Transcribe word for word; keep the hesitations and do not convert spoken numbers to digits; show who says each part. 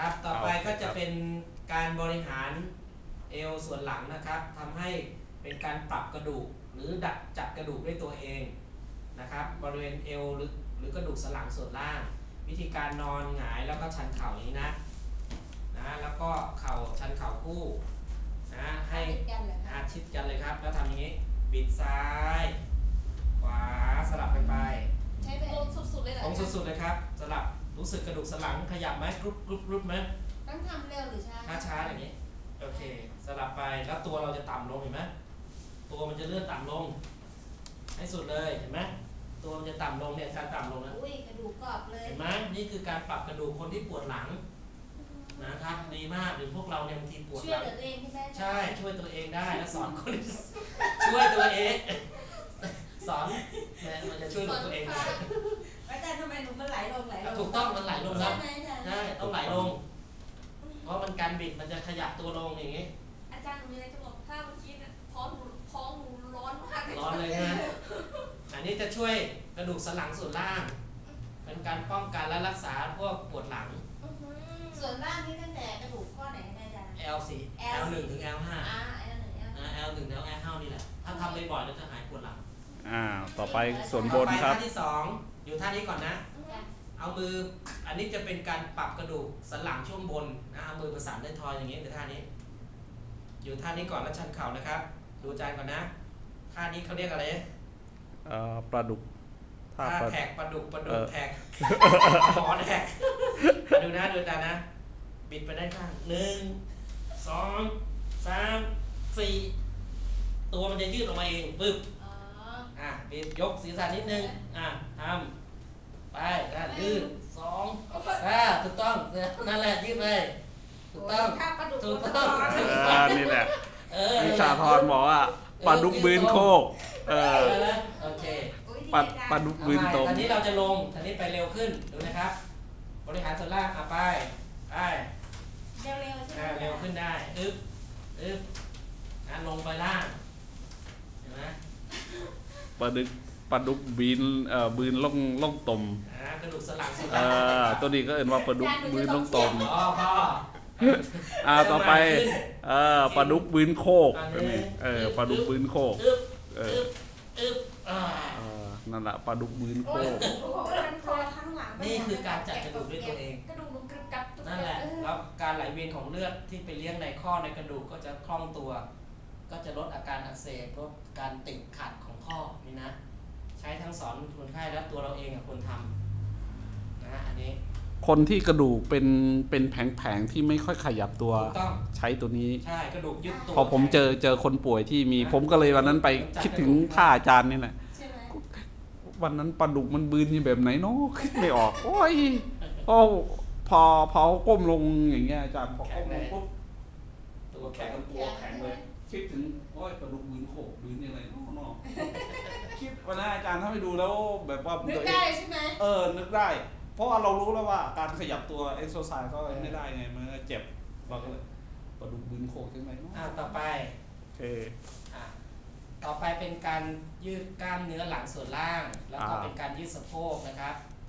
Speaker 1: ครับต่อไปก็จะเป็นการบริหารเอวส่วนหลังนะครับทำให้เป็นการปรับกระดูกหรือดัดจัดกระดูกด้วยตัวเองนะครับบริเวณเอวหรือหรือกระดูกสันหลังส่วนล่างวิธีการนอนหงายแล้วก็ชันเข่าอย่างนี้นะนะแล้วก็เข่าชันเข่าคู่นะให้อาชิดกันเลยครับแล้วทำอย่างนี้บิดซ้ายขวาสลับกันไป
Speaker 2: ใช้ลงสุดๆเลยเหรอ
Speaker 1: ลงสุดๆเลยครับสลับรู้สึกกระดูกสันหลังขยับไหมกรุ๊ปกรุ๊ปกรุ๊ปไหม
Speaker 2: ต้องทำเร็วหรือช้า
Speaker 1: ช้าช้าอย่างนี้โอเคสลับไปแล้วตัวเราจะต่ำลงเห็นไหมตัวมันจะเลื่อนต่ำลงให้สุดเลยเห็นไหมตัวมันจะต่ำลงเนี่ยการต่ำลงนะ
Speaker 2: อุ้ยกระดูกกรอบเลย
Speaker 1: เห็นไหมนี่คือการปรับกระดูกคนที่ปวดหลังนะครับดีมากหรือพวกเราเนี่ยบางทีปวดหลัง
Speaker 2: ช่วยตัวเอง
Speaker 1: ใช่ช่วยตัวเองได้แล้วสอนคนช่วยตัวเองสอนเนี่ยมันจะช่วยตัวเอง
Speaker 2: อาจารย์ทำไมหนูมันไหลลงไหลลง
Speaker 1: ถูกต้องมันไหลลงแล้ว
Speaker 2: ใช่
Speaker 1: ใช่ต้องไหลลงเพราะมันการบิดมันจะขยับตัวลงอย่างนี้
Speaker 2: อาจารย์หนูมีอะไรจะบอกถ้าเมื่อกี้เนี่ยท้องหนูท้องหนูร้อนมาก
Speaker 1: ร้อนเลยนะอันนี้จะช่วยกระดูกสันหลังส่วนล่างเป็นการป้องกันและรักษาพวกปวดหลัง
Speaker 2: ส่วนล่างนี่ตั้งแต่กระดูกข้อไหนได้อาจารย์
Speaker 1: แอล สี่ แอล หนึ่ง ถึง แอล ห้า
Speaker 2: อ่า แอล หนึ่ง
Speaker 1: แอล หนึ่ง แล้ว แอล ห้า นี่แหละถ้าทำบ่อยๆแล้วจะหายปวดหลัง
Speaker 3: อ่าต่อไปส่วนบนครับ
Speaker 1: ท่าที่สองอยู่ท่านี้ก่อนนะเอามืออันนี้จะเป็นการปรับกระดูกสันหลังช่วงบนนะเอามือประสานด้วยทอยอย่างนี้ในท่านี้อยู่ท่านี้ก่อนแล้วชันเข่านะครับดูจานก่อนนะท่านี้เขาเรียกอะไร
Speaker 3: เอ่อปลาดุก
Speaker 1: ท่าแท็กปลาดุกปลาดุกแท็กหมอแท็กดูนะดูจานนะบิดไปด้านข้างหนึ่งสองสามสี่ตัวมันจะยืดออกมาเองปึ๊บอ่ะบิดยกศีรษะนิดนึงอ่ะทำไปอ่ะยืดสองอ่ะถูกต้องนั่นแหละยืดเลยถูกต้องถูกต้อง
Speaker 3: อ่านี่แหละวิชาธรบอกว่าปลาดุกบืนโคกเออ
Speaker 1: โอเค
Speaker 3: ปลาปลาดุกบืนตรง
Speaker 1: ทีนี้เราจะลงทีนี้ไปเร็วขึ้นดูนะครับบริหารส่วนล่างอ่ะไปไป
Speaker 2: เร็วเร็วใช่ไหม
Speaker 1: เร็วขึ้นได้อึ๊บอึ๊บอ่ะลงไปล่างเห็นไหม
Speaker 3: ปลาดุกปลาดุกบืนเอ่อบืนล่องล่องตม
Speaker 1: อ่ากระดูกสันหลังส่วน
Speaker 3: ล่างอ่าตัวนี้ก็เอ่นว่าปลาดุกบืนล่องตม
Speaker 1: อ๋อพ่อ
Speaker 3: อ่าต่อไปเออปลาดุกบืนโคกเออปลาดุกบืนโคกเออนั่นแหละปลาดุกบืนโคก
Speaker 1: นี่คือการจัดกระดูกด้วยตัวเองนั่นแหละแล้วการไหลเวียนของเลือดที่ไปเลี้ยงในข้อในกระดูกก็จะคล่องตัวก็จะลดอาการอักเสบลดการติดขัดของข้อนี่นะใช้ทั้งสอนคนไข้และตัวเราเองกับคนทำนะอันนี้
Speaker 3: คนที่กระดูกเป็นเป็นแผงๆที่ไม่ค่อยขยับตัวใช้ตัวนี้
Speaker 1: ใช่กระดูกยึดตัว
Speaker 3: พอผมเจอเจอคนป่วยที่มีผมก็เลยวันนั้นไปคิดถึงท่าอาจารย์นี่แหละวันนั้นปลาดุกมันบืนนี่แบบไหนเนาะคิดไม่ออกโอ้ยพอพอพอก้มลงอย่างเงี้ยอาจารย์พอก้มลงปุ๊บ
Speaker 1: ตัวแข็ง
Speaker 3: ตัวแข็งเลยคิดถึงโอ้ยปลาดุกบืนโขกบืนยังไงเนาะเนาะคิดวันนั้นอาจารย์ถ้าไปดูแล้วแบบว่า
Speaker 2: นึกได้ใช่ไหม
Speaker 3: เออนึกได้เพราะเรารู้แล้วว่าการขยับตัวเอ็กโซไซส์ก็ไม่ได้ไงมันเจ็บเราก็เลยปลาดุกบืนโขกใช่ไหม
Speaker 1: อ่าต่อไป
Speaker 3: โอเค
Speaker 1: อ่าต่อไปเป็นการยืดกล้ามเนื้อหลังส่วนล่างแล้วก็เป็นการยืดสะโพกนะครับ